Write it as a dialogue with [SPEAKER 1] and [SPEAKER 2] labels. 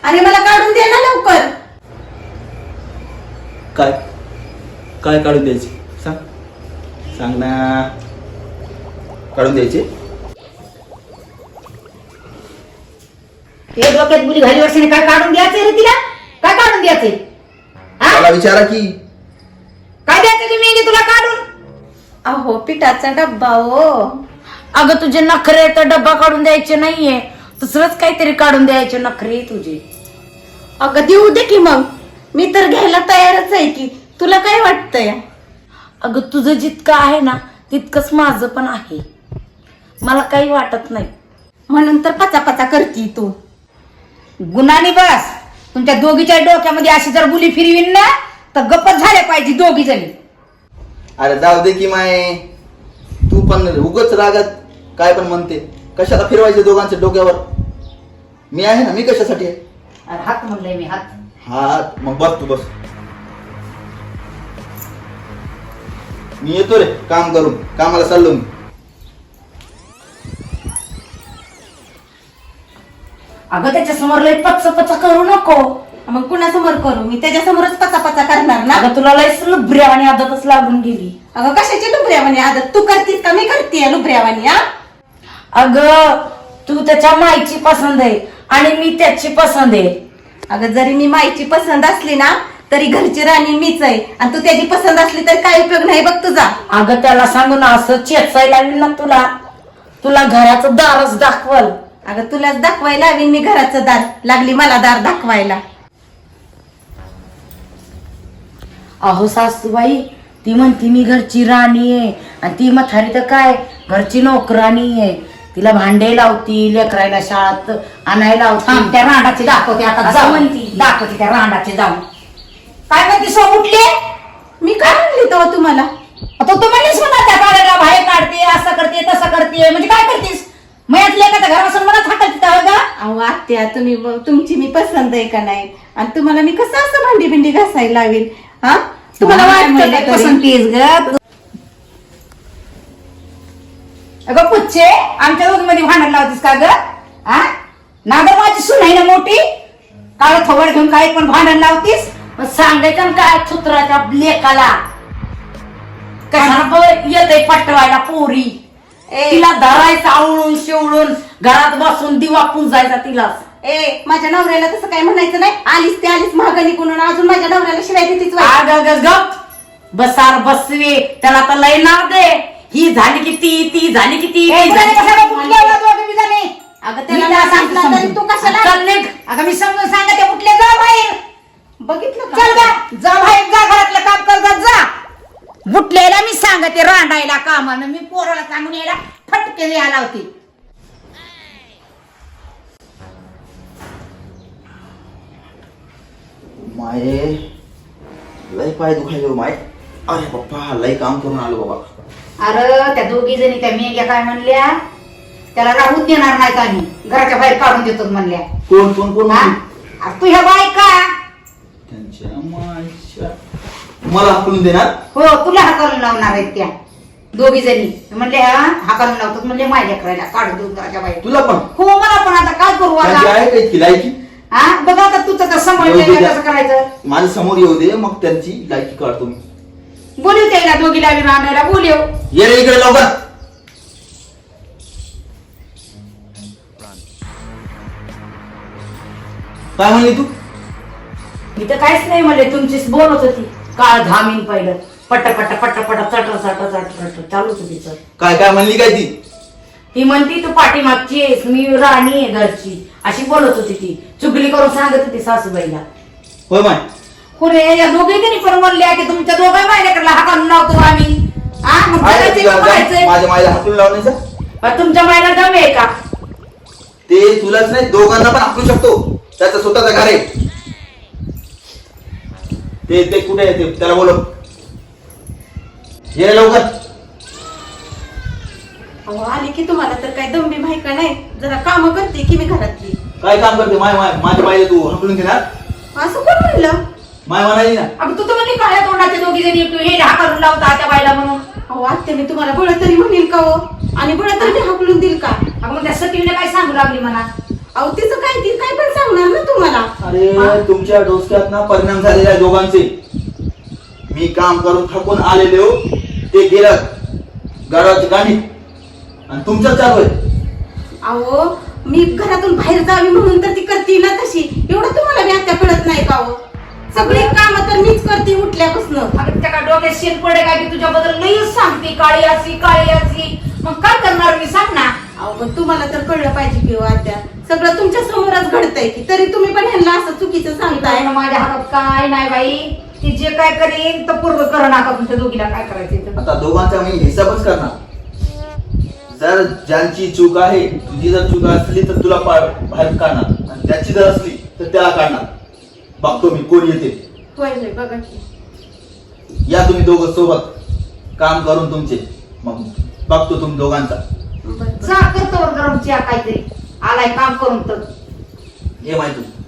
[SPEAKER 1] आणि मला काढून दे ना लवकर.
[SPEAKER 2] काय काय काढून द्यायची सांग सांग ना. काढून द्यायचे
[SPEAKER 3] ते डोक्यात बुली घाली वर्षाने काय काढून द्यायचंय रे तिला? काय काढून द्यायचंय?
[SPEAKER 2] मला विचारा की
[SPEAKER 3] काय द्यायचं तुम्ही तुला काढून?
[SPEAKER 1] अहो पिठाचा डब्बा हो.
[SPEAKER 3] अगं तुझे नखरे तर डब्बा काढून द्यायचे नाहीये, दुसरंच काहीतरी काढून द्यायचे नखरे तुझे.
[SPEAKER 1] अगं देऊ दे की मग, मी तर घ्यायला तयारच आहे की. तुला काय वाटतंय?
[SPEAKER 3] अगं तुझं जितकं आहे ना तितकंच माझं पण आहे, मला काही वाटत नाही.
[SPEAKER 1] म्हणून तर पचापचा करती तू.
[SPEAKER 3] गुन्हाने बस. तुमच्या दोघीच्या डोक्यामध्ये अशी जर बुली फिरवीन ना तर गप्पच झाल्या पाहिजे दोघी जणी.
[SPEAKER 2] अरे जाऊ दे की माय, तू पण उगच रागात काय पण म्हणते. कशाला फिरवायचे दोघांच्या डोक्यावर? मी आहे ना, मी कशासाठी आहे?
[SPEAKER 3] अरे हात म्हणलंय मी, हात.
[SPEAKER 2] हा मग बस तू बस. मी येतो रे काम करून, कामाला चाललो मी.
[SPEAKER 3] अगं त्याच्या समोर लय पच करू नको.
[SPEAKER 1] मग कुणासमोर करू? मी त्याच्यासमोरच पचापचा करणार ना.
[SPEAKER 3] अगं तुला लय लुबऱ्यावानी आदतच लागून गेली.
[SPEAKER 1] अगं कशाची लुबऱ्यावानी आदत? तू करतीस का मी करतीये लुबऱ्यावानी? हा
[SPEAKER 3] अगं तू त्याच्या माईची पसंत आहे आणि मी त्याची पसंत आहे.
[SPEAKER 1] अगं जरी मी माईची पसंत असली ना तरी घरची राणी मीच आहे, आणि तू त्याची पसंत असली तर काय उपयोग नाही बघ तुझा.
[SPEAKER 3] अगं त्याला सांगून असं चेचायला लागली ना तुला, तुला घराचं दारच दाखवल.
[SPEAKER 1] अगं तुलाच दाखवायला लावीन मी घराचं दार. लागली मला दार दाखवायला.
[SPEAKER 3] अहो सासूबाई, ती म्हणती मी घरची राणी आहे आणि ती म्हातारी तर काय घरची नोकराणी आहे. तिला भांडे लावती, लेकरायला शाळेत आणायला लावती. त्या रांडाचे दाखवते आता जाऊ म्हणती, दाखवते त्या रांडाचे जाऊन. काय म्हणते सो उठले?
[SPEAKER 1] मी काय म्हणली तेव्हा तुम्हाला?
[SPEAKER 3] आता तू म्हणलीस म्हणा त्या बाळाला बाहेर काढते, असं करते तसं करते, म्हणजे काय करतेस? मयात लेकाच्या घरापासून मला थाटायची का?
[SPEAKER 1] अहो आत्या, तुमची मी पसंत आहे का नाही? आणि तुम्हाला मी कसं असं भांडी भिंडी घासायला लावीन? हा तुम्हाला वाटतं का
[SPEAKER 3] पसंतीस ग? अगं पुच्छे, आमच्या दोघींमध्ये भांडण लावतीस का ग? हा नागर माझी सून आहे ना मोठी, काळ थोबड घेऊन काही पण भांडण लावतीस? सांगायचं ना काय छुत्राच्या लेकाला कशाला येतय पटवायला पोरी. तिला धरायचं आवळून शिवळून घरात बसून दिवा पुंजायचा तिला.
[SPEAKER 1] माझ्या नवऱ्याला तसं काय म्हणायचं नाही. आलीस ते आलीस महागणी कोण अजून माझ्या नवऱ्याला शिवाय देतीच.
[SPEAKER 3] गप बसार बसवे, त्याला तर लय नाव दे. ही झाली किती, ती झाली किती.
[SPEAKER 1] अगं त्याला सांगितलं तरी तू कशाला?
[SPEAKER 3] अगं मी समजून सांगते, उठले जा बाहेर.
[SPEAKER 1] बघितलं
[SPEAKER 3] चल जा बाहेर, जा घरातलं काम कर जा. उठलेला मी सांगते रांडायला कामानं, मी पोराला सांगून यायला फटके द्यायला होती.
[SPEAKER 2] माये लय पाय दुखायले माय. अरे पप्पा लय काम करून आलो बाबा.
[SPEAKER 3] अरे त्या दोघी जणी त्या मेघ्या काय म्हणल्या, त्याला राहूच देणार नाही का आम्ही, घराच्या बाहेर काढून देतो म्हणल्या.
[SPEAKER 2] कोण कोण कोण?
[SPEAKER 3] तू ह्या बायका
[SPEAKER 2] त्यांच्या मायच्या मला हाकलून देणार?
[SPEAKER 3] हो, तुला हाकालून लावणार आहेत त्या दोघी जणी. म्हणले हाकालून लावतात म्हणजे माझ्या करायला काढून देऊ घराच्या बाहेर.
[SPEAKER 2] तुला पण?
[SPEAKER 3] हो मला पण. आता काय करू
[SPEAKER 2] त्यांची
[SPEAKER 3] आता?
[SPEAKER 2] आहे काही लायकी?
[SPEAKER 3] हा बघा आता तुझं कसं सांभाळलं कसं करायचं.
[SPEAKER 2] माझ्या समोर येऊ दे, मग त्यांची लायकी काढतो मी.
[SPEAKER 3] बोलू त्याला दोघीला राहणाऱ्या बोलू.
[SPEAKER 2] ये रे इकडे लवकर. काय म्हणली तू?
[SPEAKER 3] मी तर काहीच नाही म्हणले, तुमचीच बोलत होती. काळ घामीन पहिलं पट पट पट पट चट चट चट चट चालूच होती.
[SPEAKER 2] काय काय म्हणली काय ती?
[SPEAKER 3] ती म्हणती तू पाठीमागची आहेस, मी राणी आहे घरची, अशी बोलत होती. ती चुगली करून सांगत होती सासूबाईला.
[SPEAKER 2] होय माय?
[SPEAKER 3] कुठे या दोघींनी पण म्हणल्या की तुमच्या दोघा माझ्याकडला हाकालून लावतो आम्ही. मग
[SPEAKER 2] माझ्या मायला हाकलून लावण्याचा
[SPEAKER 3] तुमच्या मायला दम आहे का?
[SPEAKER 2] ते तुलाच नाही दोघांना पण हाकलू शकतो. त्याचं स्वतःचं घर आहे. ते कुठे आहे ते त्याला बोलव. ये लवकर.
[SPEAKER 1] अहो आली की तुम्हाला तर काय दमबी माहिती का नाही? जरा काम करते की मी घरातली.
[SPEAKER 2] काय काम करते? माझ्या बाईला तू हकलून घेणार?
[SPEAKER 1] असं कोण म्हणलं?
[SPEAKER 2] माय म्हणाली ना.
[SPEAKER 3] अगं तू तर म्हणली काळ्या तोंडाचे दोघी जणी हे हाकालून लावता त्या बाईला म्हणून.
[SPEAKER 1] अहो आत्या मी तुम्हाला बळ तरी म्हणेल का हो? आणि बळ तरी मी हाकलून देईल का?
[SPEAKER 3] अगं मग त्या सतीने काय सांगू लागली म्हणा.
[SPEAKER 1] अहो तिचं काय, ती काय पण सांगणार ना तुम्हाला.
[SPEAKER 2] अरे तुमच्या डोसक्यात ना परिणाम झालेले आहे दोघांचे. मी काम करून थकून आलेले हो, ते गेलं घराची गाणी आणि तुमचं चालू आहे.
[SPEAKER 1] अहो मी घरातून बाहेर जावी म्हणून तर ती करते ना तशी. एवढं तुम्हाला बी आता कळत नाही का हो? सगळी काम तर मीच करते उठल्यापासून.
[SPEAKER 3] अगं त्या डोक्यात शेत पडे काय की तुझ्याबद्दल लईच सांगते काळी अशी काळी अशी. मग काय करणार मी सांग ना.
[SPEAKER 1] अहो पण तुम्हाला तर कळलं पाहिजे की हो आत्या, सगळं तुमच्या समोरच घडतंय की, तरी तुम्ही पण ह्यांना असं चुकीचं सांगताय.
[SPEAKER 3] काय माझ्या हातात काय नाही बाई. ती जे काय करेन तर पूर्ण कर नका तुमच्या दोघीला काय करायचं.
[SPEAKER 2] आता दोघांचा मी हिसाबच करणार. जर ज्यांची चूक आहे, तुझी जर चूक असली तर तुला बाहेर काढणार आणि त्याची जर असली तर त्याला काढणार. बघतो मी कोण येते.
[SPEAKER 1] होय होय बघा की.
[SPEAKER 2] या तुम्ही दोघं सोबत काम करून तुमचे, मग बघतो तुम्ही दोघांचा.
[SPEAKER 1] बरं, बरं.
[SPEAKER 3] जा करतो गरम चहा काहीतरी. आलाय काम करून तर
[SPEAKER 2] ये माहिती